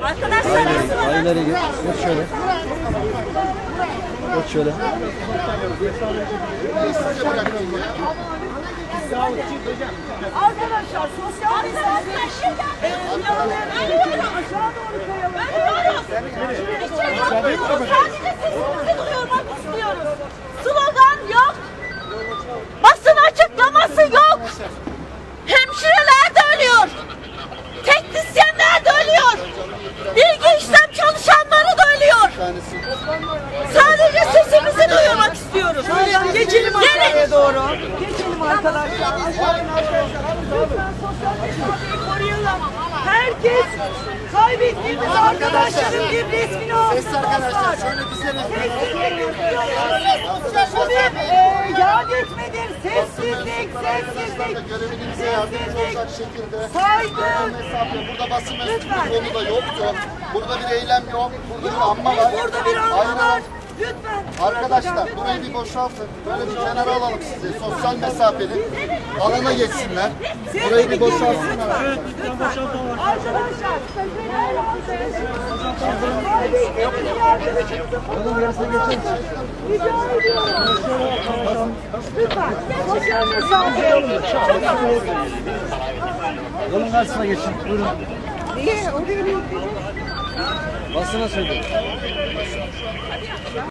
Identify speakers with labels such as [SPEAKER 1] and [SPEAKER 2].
[SPEAKER 1] Arkadaşlar
[SPEAKER 2] Aileleri geç. Geç şöyle. Geç şöyle.
[SPEAKER 1] Arkadaşlar sosyal mesafe aşağı doğru koyalım. Sadece sesimizi duyurmak istiyoruz. Slogan yok. Basın açıklaması yok. Hemşireler de ölüyor. Teknisyenler de ölüyor. Bilgi işlem çalışanları da ölüyor. Sadece sesimizi duyurmak istiyoruz. Geçelim aşağıya doğru. Geçelim arkadaşlar. Lütfen sosyal mesafeyi koruyalım. Herkes kaybettiğimiz arkadaşların bir resmini alsın.
[SPEAKER 3] Ses arkadaşlar şöyle dizene.
[SPEAKER 1] Bu bir yad etmedir. Sessizlik, sessizlik.
[SPEAKER 3] Görevinize yardımcı olacak şekilde
[SPEAKER 1] Saygı.
[SPEAKER 3] mesafe. Burada basın mensubu da yoktu. Burada bir eylem yok. Burada bir anma var.
[SPEAKER 1] Burada bir anma
[SPEAKER 3] Aynen.
[SPEAKER 1] var. Lütfen.
[SPEAKER 3] Arkadaşlar burayı bir boşaltın. Böyle bir kenara alalım sizi. Sosyal mesafeli alana geçsinler. Burayı bir boşaltsınlar.
[SPEAKER 1] Arkadaşlar. Onun yarısına geçelim. Rica ediyorum. Lütfen. Sosyal mesafe.
[SPEAKER 2] Yolun karşısına geçin. Buyurun.
[SPEAKER 1] Niye? Oraya bir
[SPEAKER 2] Basına söyleyeyim.